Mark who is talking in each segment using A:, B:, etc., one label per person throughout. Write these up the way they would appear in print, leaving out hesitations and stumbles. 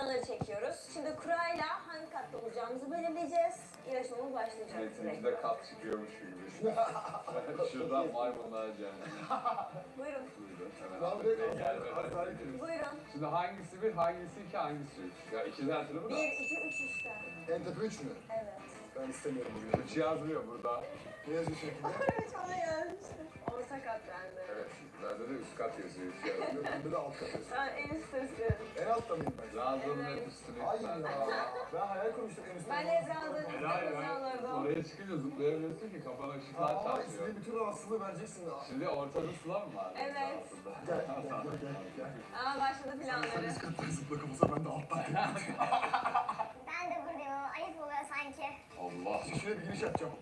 A: sıraları çekiyoruz. Şimdi kurayla hangi katta olacağımızı belirleyeceğiz. Yarışmamız başlayacak.
B: Metin'inki de kat çıkıyormuş gibi. Şuradan maymunlar cennet.
A: Buyurun.
B: Buyurun. Hemen.
A: Buyurun.
B: Şimdi hangisi bir, hangisi iki, hangisi üç? Ya ikiden hatırlamı da.
A: 1, 2, 3 işte.
C: En tepe 3 mü?
A: Evet.
C: Ben istemiyorum bugün.
B: Üç yazmıyor burada.
C: Ne yazıyorsun?
A: Evet bana gelmişti. Orta kat bende.
B: Evet. Bende de üst kat yazıyor. Üç yazmıyor.
C: Bende de alt katıyorsun.
A: Ben en üsttesiyim.
C: En altta mıyım ben?
B: Lazımın
A: Evet.
B: hep üstüne.
C: Hayır ya. Ben hayal kurmuştum en üstte.
A: Ben Ezra'dan üstte alırdım.
B: Oraya çıkınca zıplayamıyorsun ki kafana ışıklar
C: Ama
B: çarpıyor.
C: istediğin bütün rahatsızlığı vereceksin.
B: Şimdi ortada sıla mı var?
A: Evet.
C: Gel, gel.
A: Aa başladı planları.
C: Üst kattan zıpla kafasına, ben de alttan.
D: Ben de buradayım ama ayıp oluyor sanki.
B: Allah.
C: Şuraya bir giriş yapacağım.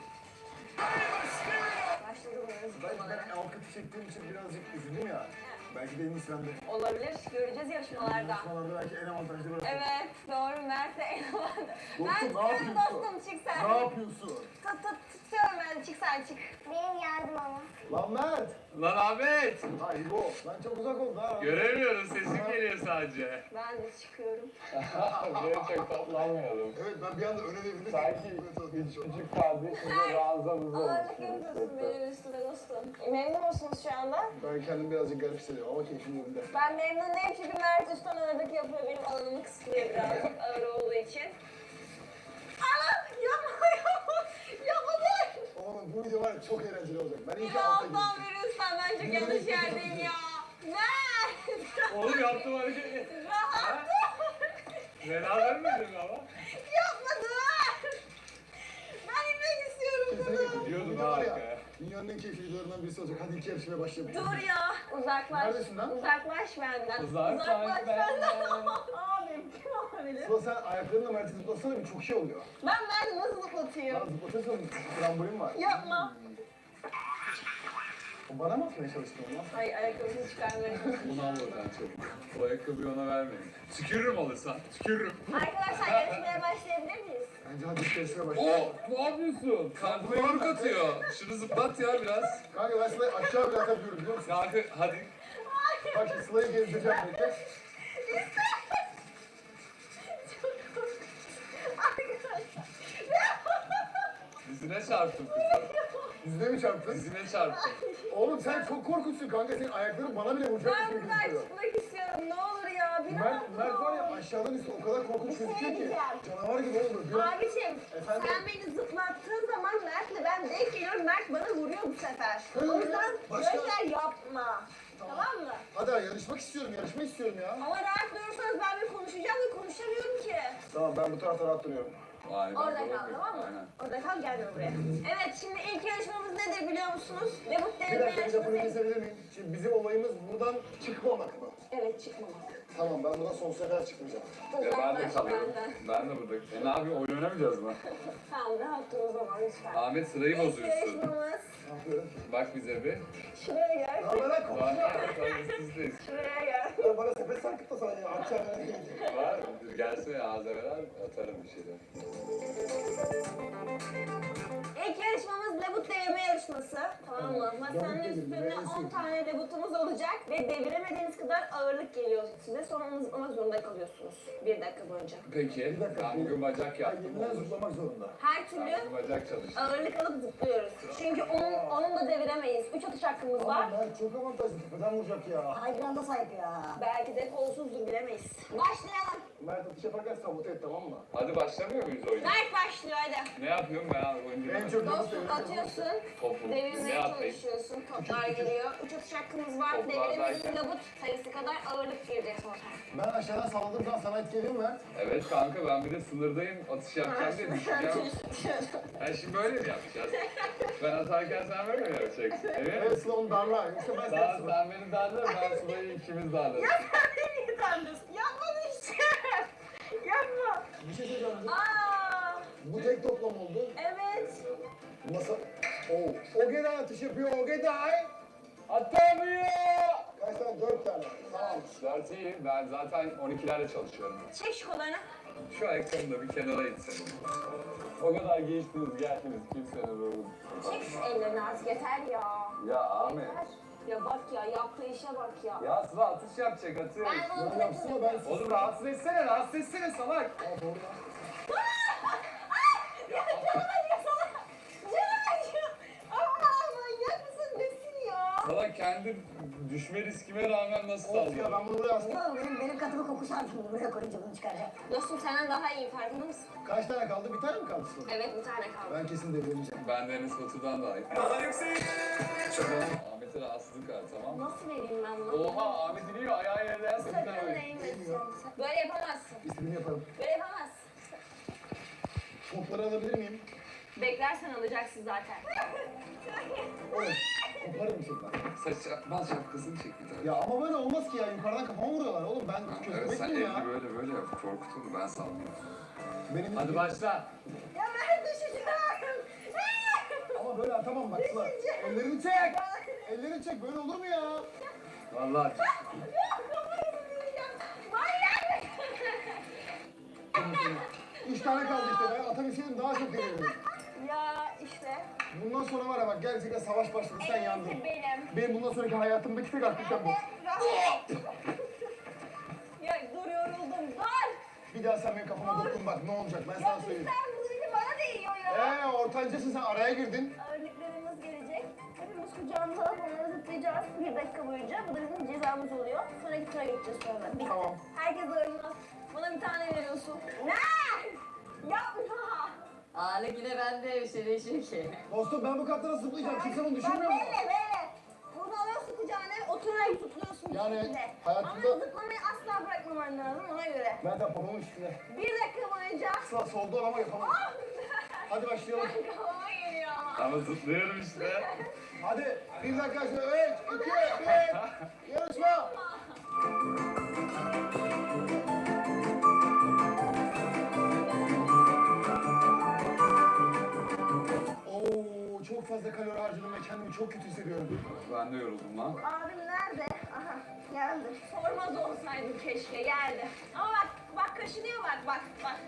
A: Başladı bunların
C: Ben
A: zıplamaları.
C: alt katı çektiğim için birazcık üzüldüm ya. Belki de en iyisi bende.
A: Olabilir. Göreceğiz yarışmalarda.
C: Yarışmalarda belki en avantajlı burası.
A: Evet. Doğru. Mert de en avantajlı.
C: Dostum,
A: Ben
C: ne
A: tutuyorum
C: yapıyorsun?
A: dostum. Çık sen.
C: Ne yapıyorsun?
A: Tutuyorum ben. Çık sen çık.
D: Benim yardım ama.
C: Lan Mert!
B: Lan Ahmet!
C: Ay bu, lan çok uzak oldu ha.
B: Göremiyoruz, sesin geliyor sadece.
A: Ben de çıkıyorum.
B: Gerçek toplanmayalım.
C: Evet, ben bir anda öne devrildim.
B: Sanki küçük kardeşimle ranzamızı
A: Ağırlık yapıyorsun benim üstüme dostum. Memnun musunuz şu anda?
C: Ben kendimi birazcık garip hissediyorum ama keyfim yerinde.
A: Ben memnun değilim çünkü Mert üstten ağırlık yapıyor. Benim alanımı kısıtlıyor birazcık ağır olduğu için. Ana! Yapma yapma! Yapma dur!
C: Oğlum bu video var ya, çok eğlenceli olacak. Ben iyi ki
A: Ya
C: alta
A: alttan
C: girdim.
A: veriyorsan ben çok yanlış yerdeyim ya. Mert!
B: Oğlum yaptım hareket.
A: Rahat dur!
B: Beraber miydin ama?
A: Yapma dur! Ben inmek istiyorum
C: Kesinlikle.
A: bunu.
B: Gidiyordum
C: Bu video var
B: ha
C: ya,
B: arkaya.
C: dünyanın en keyifli videolarından birisi olacak. Hadi iki yarışmaya başlayalım.
A: Dur ya. Uzaklaş.
C: Neredesin lan?
A: Uzaklaş benden.
B: Uzaklaş
A: benden.
B: benden.
A: Abim kim olabilir?
C: Sıla, sen ayaklarınla Mert'i zıplasana, bir çok şey oluyor.
A: Ben Mert'i nasıl zıplatayım?
C: Lan zıplatırsın, trambolin var.
A: Yapma.
C: O bana mı atmaya çalıştın onu?
A: Ay ayakkabısını çıkarmaya
B: Bunu al oradan çabuk. O ayakkabıyı ona vermeyin. Tükürürüm alırsan, tükürürüm.
A: Arkadaşlar yarışmaya başlayabilir miyiz?
C: Bence hadi iki yarışmaya başlayalım.
B: Ne yapıyorsun? Kalbime yumruk atıyor. Şunu zıplat ya biraz.
C: Kanka ben Sıla'yı aşağı bile atabiliyorum biliyor musun?
B: Kanka hadi.
C: Bak şimdi Sıla'yı gezdireceğim bekle.
B: Dizine çarptım kızım.
C: Yüzüne mi çarptın?
B: Dizine çarptım.
C: Oğlum sen çok korkunçsun kanka, senin ayakların bana bile vuracak
A: Ben
C: bir şey
A: buradan
C: gözüküyor.
A: çıkmak istiyorum. Ne olur ya. Bir
C: Mert var ya, aşağıdan üstü o kadar korkunç gözüküyor ki.
A: diyeceğim.
C: Canavar gibi oldu.
A: Abiciğim
C: Efendim?
A: sen beni zıplattığın zaman Mert'le ben denk geliyorum. Mert bana vuruyor bu sefer.
C: Hı,
A: O yüzden
C: başka-
A: böyle şeyler yapma. Tamam mı?
C: Hadi yarışmak istiyorum ya.
A: Ama rahat durursanız ben bir konuşacağım ve konuşamıyorum ki.
C: Tamam, ben bu tarafta rahat duruyorum.
B: Aynen.
A: Orada
B: doğru
A: kal
B: diyor.
A: tamam mı?
B: Aynen.
A: Orada kal gelme buraya. Evet şimdi ilk yarışmamız nedir biliyor musunuz? Debut
C: Bir
A: deneme
C: dakika, bir lafını
A: yarışması.
C: kesebilir miyim? Şimdi bizim olayımız buradan çıkmamak mı?
A: Evet çıkmamak.
C: Tamam, ben buradan sonsuza kadar çıkmayacağım.
B: Ya ben de
A: Uzaklaş
B: kalıyorum.
A: benden.
B: Ben de burada. Ne yapayım, oyun oynamayacağız mı?
A: Tamam rahat dur o zaman lütfen.
B: Ahmet sırayı
A: İlk
B: bozuyorsun.
A: yarışmamız
C: Ne yapıyorum ki?
B: Bak bize bir.
A: şuraya gel.
C: Ya ben lan
B: Var.
C: konuşma.
B: Sizdeyiz.
A: Şuraya gel.
C: Ya bana sepet sarkıtma sana ya. Akşam ben
B: Var. Gelsene ağza veren atarım bir şeyler.
A: İlk yarışmamız debut deneme yarışması. Tamam mı? Masanın
C: Debut
A: üstünde
C: deneme,
A: 10 tane debutumuz olacak ve deviremediğiniz kadar ağırlık geliyor size. Sonra onu zıplamak zorunda kalıyorsunuz 1 dakika boyunca.
B: Peki. Ben bugün bacak
C: Ya
B: yaptım.
C: yeniden zıplamak zorunda.
A: Her
B: Ben
A: türlü
B: bugün bacak çalıştım.
A: ağırlık alıp zıplıyoruz. Çünkü onun da deviremeyiz. 3 atış hakkımız var.
C: Ama ben çok avantajlı, tepeden vuracak ya.
A: Ay biraz da sahip ya. Belki de kolsuzdur bilemeyiz. Başlayalım.
C: Mert atış yaparken sabote et, tamam mı?
B: Hadi başlamıyor muyuz oyuna?
A: Mert başlıyor hadi.
B: Ne yapıyorum ben oyuncu?
C: En çok
A: Dostum atıyorsun.
B: Topu. Ne
A: Devirmeye
B: yapayım?
A: çalışıyorsun. Toplar geliyor. 3 atış hakkımız var.
B: Toplar
A: Deviremediğin
B: derken?
A: labut sayısı kadar ağırlık girecek ortaya.
C: Ben aşağıdan salladığım zaman sana etki ediyor mu Mert?
B: Evet kanka ben bir de sınırdayım atış yapacağım diye düşüneceğim. Ha şimdi böyle mi yapacağız? Ben atarken sen böyle mi yapacaksın? Evet.
C: Evet, Sıla onu darla. Yoksa ben
B: Daha
C: seni
B: sen beni darla, ben Sıla'yı ikimiz darlarız.
A: Ya sen beni niye tanıyorsun? Yapma işte. Yapma.
C: Bir şey söyleyeceğim.
A: Aa,
C: Bu tek toplam oldu.
A: evet.
C: Masa... Oo. Ogeday atış yapıyor, Ogeday.
B: Atamıyor!
C: Kaç tane? 4 tane. Tamam.
B: Dert iyi, ben zaten 12'lerle çalışıyorum.
A: Çek şu kollarını.
B: Şu ayakkabını da bir kenara itsin. O kadar geçtiniz, geldiniz, kimsenin ruhu.
A: Çek şu ellerini artık yeter ya.
B: Ya Ahmet,
A: Yeter. Ya bak ya, yaptığı işe bak ya.
B: Ya Sıla atış yapacak atış.
A: Ben bunu
C: Ya yapsana ben sus.
B: Oğlum rahatsız etsene salak.
C: Aa doğru lan.
B: Ya,
A: Canım acıyor. Aa, manyak mısın? Nesin ya?
B: salak kendi düşme riskime rağmen nasıl
C: Of ya
B: sallıyor?
C: ben bunu buraya astım.
D: Benim katımı kokuşardım bunu buraya koyunca bunu çıkaracak.
A: Dostum senden daha iyi, farkında mısın?
C: Kaç tane kaldı? Bir tane mi kaldı sonra?
A: Evet, bir tane kaldı.
C: Ben kesin deviremeyeceğim.
B: Ben Deniz Batu'dan daha iyi. Ahmet'e rahatsızlık var tamam mı?
A: Nasıl vereyim ben bunu?
B: Oha Ahmet iniyor ayağı yerden
A: Sakın
B: sakın öyle.
A: değmesin. Böyle yapamazsın.
C: İstediğimi yaparım.
A: Böyle yapamazsın.
C: Topları alabilir miyim?
A: Beklersen alacaksın zaten.
C: Oğlum koparım seni.
B: Ben şapkasını çek bir tane.
C: Ya ama böyle olmaz ki ya. Yukarıdan kafama vuruyorlar oğlum. Ben
B: Evet
C: kötü
B: sen
C: miyim ya?
B: elini böyle yap korkutur ben sanmıyorum.
C: Benim
B: Hadi başla.
A: Ya ben düşeceğim.
C: Ama böyle atamam bak Sıla. Ellerini çek. Ellerini çek. Böyle olur mu ya?
B: Vallahi.
A: Manyak.
C: 3 tane kaldı işte. Ben atabilseydim daha çok devirdim.
A: Ya işte.
C: Bundan sonra var ya bak gerçekten savaş başladı. Sen yandın.
A: Benim.
C: Benim bundan sonraki hayatımdaki tek aktiviten bu.
A: Ya dur, yoruldum. Dur.
C: Bir daha sen benim kafama dokun bak ne olacak ben sana
A: Ya
C: söyleyeyim.
A: sen bu işi bana değiyor ya.
C: Ortancasın sen araya girdin.
A: Örneklerimiz gelecek. Hepimiz kucağımıza alıp onları zıplayacağız 1 dakika boyunca. Bu da bizim cezamız oluyor. Sonraki tura geçeceğiz sonra. Bitti.
C: Tamam.
A: Herkes oynuyor. Bana bir tane veriyorsun. Ne? Yapma.
E: Ağırlık yine bende bir şey değişiyor ki.
C: Dostum ben bu katlara zıplayacağım. Kimse bunu
A: Bak
C: düşünmüyor mu?
A: böyle. Bunu alıyorsun kucağına, oturarak zıplıyorsun
C: Yani
A: bir şekilde.
C: hayatımda-
A: Ama zıplamayı asla bırakmaman lazım ona göre.
C: Ben de pamuğun üstüne.
A: 1 dakika boyunca.
C: Sağ solda ama yapamam. Hadi başlayalım.
A: Kafama geliyor ama.
B: Ama zıplıyorum işte.
C: Hadi. Bir dakika sonra 3, 2, 1. Yarışma. Oo, çok fazla kalori harcadım ve kendimi çok kötü hissediyorum.
B: Ben de yoruldum lan.
A: Abim nerede? Aha geldi. Sormaz olsaydı keşke, geldi. Ama bak kaşınıyor bak.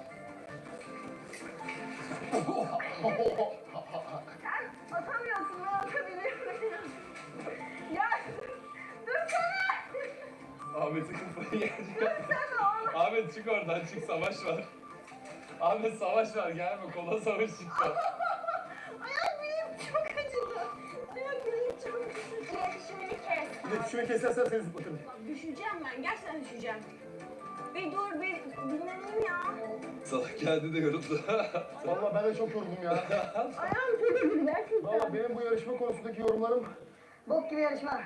A: Sen atamıyorsun, ben atabiliyorum. Ya dursana.
B: Ahmet'in kafayı yiyecek.
A: Dursana oğlum.
B: Ahmet çık oradan çık savaş var. Ahmet savaş var gelme kola savaş çıktı.
A: Ayak bileğim çok acıdı. Ayak bileğim çok acıdı. İletişimini kes.
C: İletişimi kesersen seni zıplatırım.
A: Bak, düşeceğim ben, gerçekten düşeceğim. Bir dur, bir dinleneyim ya.
B: Salak geldi de yoruldu.
C: Vallahi ben de çok yoruldum ya.
A: Ayağım çok acıdı gerçekten.
C: Vallahi benim bu yarışma konusundaki yorumlarım
D: Bok gibi yarışma.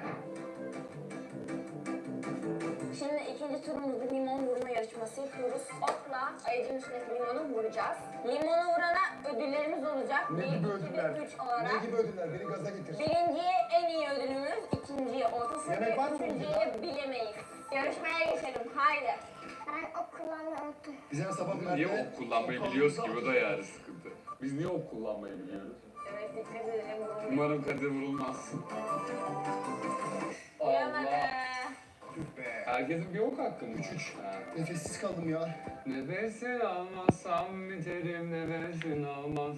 A: Şimdi ikinci turumuzda limon vurma yarışması yapıyoruz. Okla ayıcın üstündeki limonu vuracağız. Limonu vurana ödüllerimiz olacak.
C: ne
A: 1,
C: gibi
A: 2
C: ödüller?
A: ve 3 olarak.
C: Ne gibi ödüller? Beni gaza getir.
A: Birinciye en iyi ödülümüz, ikinciye orta seviye,
C: Yemek var mı
A: üçüncüye
C: bunda?
A: bilemeyiz. Yarışmaya geçelim, haydi.
D: Ben ok kullanmayı unuttum.
C: Bize sabah
B: Niye
C: Mert'e-
B: ok kullanmayı biliyoruz ki bu da yani sıkıntı. Biz niye ok kullanmayı biliyoruz?
A: Evet, dikkat edelim.
B: Umarım Kadir vurulmaz.
A: Vuramadı.
C: Tüh be.
B: Herkesin bir ok hakkı mı? 3.
C: Nefessiz kaldım ya.
B: Nefesin almazsam biterim nefesin almaz.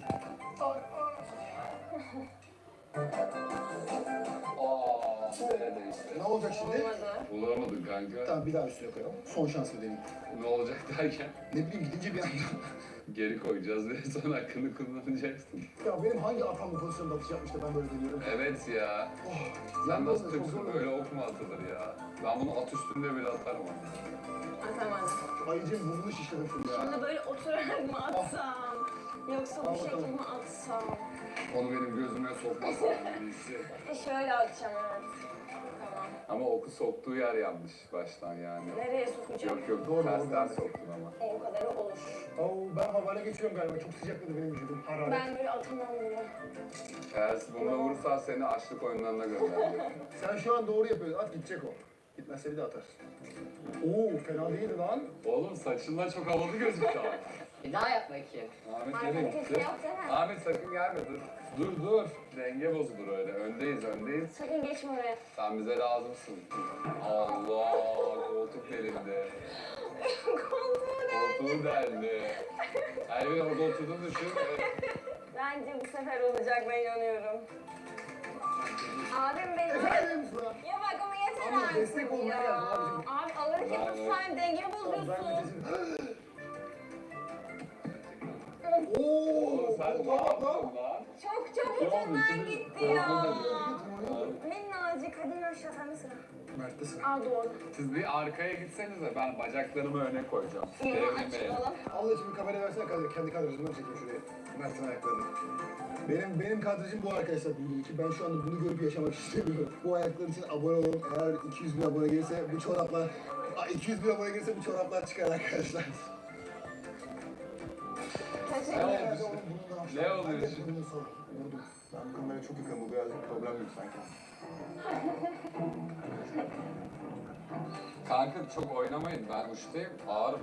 B: Nerede işte?
C: Ne olacak şimdi?
A: Olmadı.
B: Bulamadın kanka.
C: Tamam bir daha üstüne koyalım. Son şans deneyim.
B: Ne olacak derken
C: Ne bileyim gidince bir anda.
B: geri koyacağız ve son hakkını kullanacaksın.
C: Ya benim hangi atam bu pozisyonda atış yapmış da ben böyle deniyorum.
B: Evet ya.
C: Oh,
B: Sen nasıl
C: çok
B: Türksün
C: zor
B: böyle ok mu atılır ya? Ben bunu at üstünde bile atarım ama.
A: Atamadım.
C: Ayıcım burnunu şişledim full ya.
A: Şimdi böyle oturarak mı atsam? Yoksa
C: Al
A: bu
C: bakalım.
A: şekilde mi atsam?
B: Onu benim gözüme sokmazsan birisi.
A: Şöyle atacağım, evet. Tamam.
B: Ama oku soktuğu yer yanlış baştan yani.
A: Nereye sokacağım?
B: Yok
C: Doğru,
B: tersten
C: doğru.
B: soktun ama.
A: O kadarı olur.
C: Oo, ben havale geçiyorum galiba. Çok sıcakladı benim vücudum. Hararet.
A: Ben böyle atamam bunu.
B: Eğer bununla vurursan seni açlık oyunlarına göndereceğim.
C: Sen şu an doğru yapıyorsun. At gidecek o. Gitmezse bir de atar. Oo fena değildi lan.
B: Oğlum saçınla çok havalı gözüktü abi.
E: Bir daha yap bakayım.
B: Ahmet
A: Arkada
B: nereye
A: kesin
B: gitti?
A: yapsana.
B: Ahmet sakın gelme dur. Dur. Denge bozulur öyle. Öndeyiz.
A: Sakın geçme oraya.
B: Sen bize lazımsın. Allah koltuk delindi. Koltuğu deldi. Elvin orada oturduğunu düşün.
A: Bence bu sefer olacak, ben inanıyorum. Abim benim.
C: Efendim sıra.
A: Ya bak ama yeter
C: Ama
A: artık
C: destek olmaya
A: ya.
C: geldim abicim.
A: Abi alırken
B: Bravo.
A: sen dengemi
C: Tamam, ben
A: bozuyorsun.
C: vitesini...
B: Oo,
C: Ooo!
B: sen ne
C: Bak
B: yaptın
C: lan!
B: lan?
A: Çok çabuk
B: Ya,
A: ucundan
B: bütün-
A: gitti ya.
B: Abi,
A: Minnacık hadi yürü aşağı sen de sıra.
C: Mert'te sıra.
A: Al doğru.
B: Siz bir arkaya gitsenize, ben bacaklarımı öne koyacağım.
A: Yürü
B: Devrilmeyin.
A: açılalım.
C: Allah için bir kamera versene kendi kadrajımdan çekeyim şuraya. Mert'in ayaklarını. Benim kadrajım bu arkadaşlar bildiğim ki ben şu anda bunu görüp yaşamak istemiyorum. Bu ayaklar için abone olun. Eğer 200 bin abone gelirse bu çoraplar... 200 bin abone gelirse bu çoraplar çıkar arkadaşlar.
A: Teşekkür
B: Ne
A: ederim.
B: oldu? Ne oluyor
C: Ben de
B: şimdi?
C: bunu sor. Vurdum. Ben bu kameraya çok yakınım. Bu birazcık problemli sanki.
B: Kanka çok oynamayın, ben uçtayım, ağırım.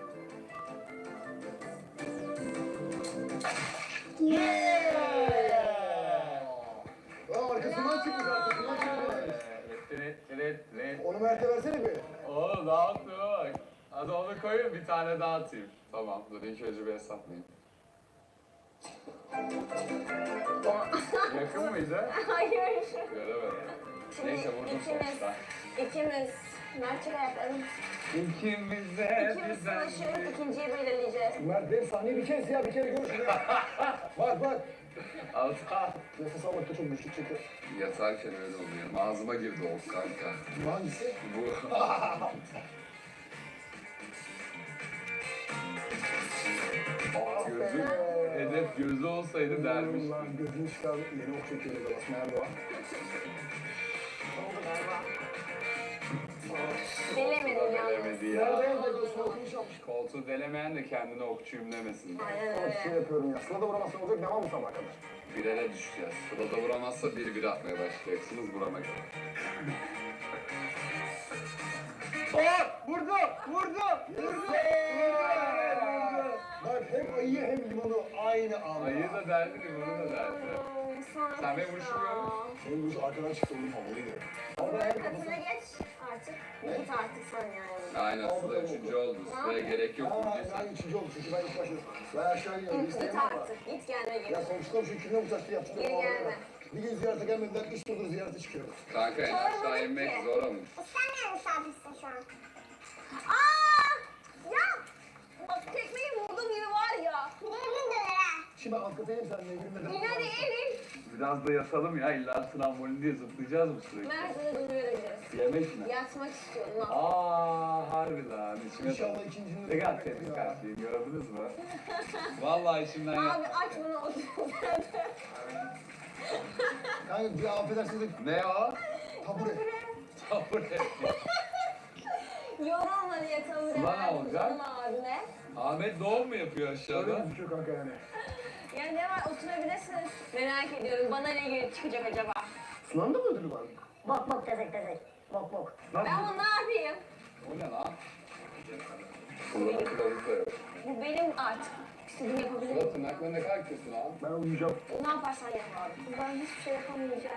C: Aa, arkasından çıkmış, arkasından çıkmış. Onu Mert'e versene bir.
B: Oo, dağıttı bak. Hadi onu koyun, bir tane daha atayım. Tamam, dur ilk önce bir hesaplayayım. Yakın mıydı?
A: Hayır.
B: Göremedim.
A: Şimdi
B: Neyse, vurdum sonuçta.
A: ikimiz Mert'e ayaklarım.
B: İkimize
A: İkimiz
B: bizden
A: savaşıyoruz, ikinciyi belirleyeceğiz.
C: Mert benim sahneyi bir kez ya, bir kere gör şunu. Bak.
B: Ata.
C: Nefes almakta çok güçlük çekiyor.
B: Yatarken öyle oluyor. Ağzıma girdi o kanka.
C: Bu hangisi?
B: Bu. Gözü, hedef gözü olsaydı dermiş.
C: Lan gözünü çıkardı. Yeni ok çekiyor da basma Erdoğan.
A: Oldu galiba. Delemedim yalnız.
B: Delemedi ya.
C: Nerede yazdı? Gözünü okumuş yapmış.
B: Koltuğu delemeyen de kendine okçuyum demesin.
A: Aynen
C: Tamam şey
A: öyle.
C: yapıyorum ya. Sıla da vuramazsan olacak devam mı sabaha kadar?
B: Birere düşeceğiz. Sırada vuramazsa 1-1 atmaya başlayacaksınız. Vuramak.
C: Vurdu! Bak hem ayıyı hem limonu aynı anda.
B: Ayı da derdi, limonu da derdi. Sen benim vuruşumu görüyor musun?
C: Benim vuruş arkadan çıktı oğlum havalıydı. Ama
A: Sıra
C: hem
A: katına
C: kafasına...
A: geç artık. Git artık sen yani.
B: Aynen, Sıla 3. oldu. Sıraya gerek yok.
C: Ben üçüncü oldum çünkü ben ilk başladım. Ben aşağı iniyorum.
A: Git
C: İsteyemem ama.
A: artık. Git kendine gir.
C: Ya komşularım şu kimle uçaktı yaptı.
A: Geri gelme.
C: Bir gün ziyarete gelmediler, 3 yıldır ziyarete çıkıyorum.
B: Kanka en aşağı inmek zor olmuş.
D: Sen ne misafirsin şu an?
A: Aa! Ya! Bak tekmeyi vurdum gibi var ya.
D: Devrin döner ha.
C: Şimdi alt kata inelim seninle evrimle.
A: Yine değil.
B: Biraz da yatalım ya. İlla trambolin diye zıplayacağız mı sürekli?
A: Mersin'e dönüyor gideriz.
B: Yemek mi?
A: Yatmak istiyorum lan.
B: Harbi lan. İçime
C: İnşallah ikincinin
B: Ne kadar temiz kalpliyim, gördünüz mü? Vallahi içimden
A: Abi
B: ya.
A: aç bunu otur.
C: Kanka bir affedersiniz de
B: Ne o?
C: tabure.
B: Tabure.
A: Yorulma diye tanımı
B: Sıla ne olacak?
A: canım abine.
B: Ahmet doğum mu yapıyor
C: Öyle
B: aşağıda?
C: gözüküyor kanka yani.
A: Ya ne var oturabilirsiniz. Merak ediyorum bana ne gelip çıkacak acaba?
C: Sunan'da mı ödülü var?
D: Bok bok tezek tezek.
C: Bak bak.
A: Ben bunu ne yapayım?
B: O ne lan? Kullanı kılavuz da yok.
A: Bu benim artık. İstediğimi yapabilirim.
B: Sıla tırnakları ne kadar kötü lan.
C: Ben uyuyacağım.
A: Ne yaparsan yap abi. Ben hiçbir şey yapamayacağım.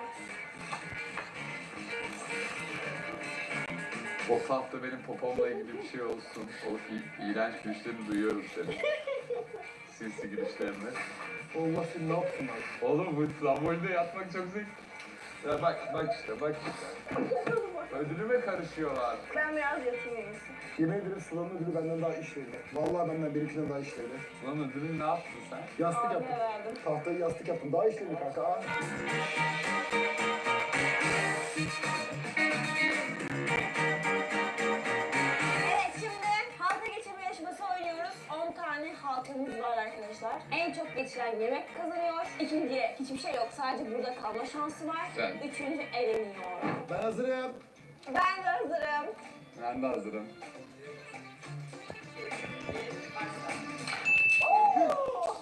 B: O hafta benim popomla ilgili bir şey olsun. O iğrenç gülüşlerini duyuyorum seni. Sinsi gülüşlerini.
C: Allah seni ne yapsın lan?
B: Oğlum bu trambolde yatmak çok zevkli. Ya bak işte. Ödülüme karışıyorlar.
A: Ben biraz yatayım en iyisi.
C: Yemin ederim Sıla'nın ödülü benden daha işlevli. Vallahi benden benimkinden daha işlevli.
B: Lan ödülün ne yaptın sen?
C: Yastık
A: Abiye
C: yaptım.
A: verdim.
C: Tahtayı yastık yaptım. Daha işlevli kanka. Aa.
A: Evet şimdi halka geçirme yarışması oynuyoruz. 10 tane halkamız var arkadaşlar. En çok geçiren yemek kazanıyor. İkinciye hiçbir şey yok. Sadece burada kalma şansı var.
B: Sen.
A: Üçüncü eleniyor.
C: Ben hazırım.
A: Ben de hazırım.
B: Ben de hazırım.
A: Oo!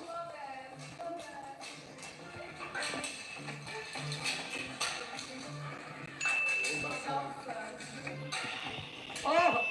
C: Ah!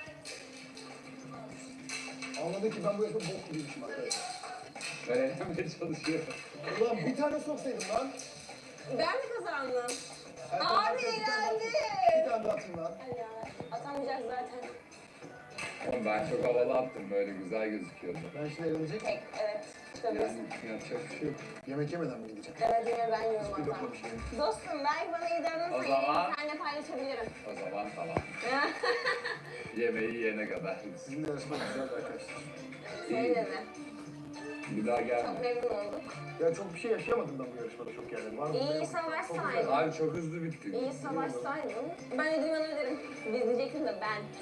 C: Anladı ki ben bu yaşta bok gibiymişim arkadaşlar.
B: Ben eğlenmeye çalışıyorum.
C: Ulan bir tane soksaydım lan.
A: Ben mi kazandım?
C: Erkan,
A: Abi
C: bir tane daha-
A: eğlendi.
C: Bir tane daha atayım lan.
A: Ay ya, atamayacak zaten.
B: Oğlum ben çok havalı attım, böyle güzel gözüküyordu.
C: Ben şimdi eğlenecek.
A: Tek, evet. çıkabilirsin.
C: Yani yapacak bir şey yok. Yemek yemeden mi gideceğim?
A: Evet yine ben yiyorum
C: Bir
A: hatta.
C: lokma bir şey.
A: Dostum belki bana iyi
B: O
A: davranırsan
B: zaman-
A: seninle paylaşabilirim.
B: O zaman tamam. Yemeği yiyene kadar.
C: Sizinle yarışmak güzeldi arkadaşlar.
A: Seninle de.
B: Bir daha gelme.
A: Çok memnun olduk.
C: Ya çok bir şey yaşayamadım ben bu yarışmada çok yani. Var mı?
A: İyi
C: Yok.
A: savaşsaydın.
C: Çok güzel.
B: Abi çok hızlı bitti.
A: İyi savaşsaydın. Ben ödülümü alırım. Biz diyecektim de ben.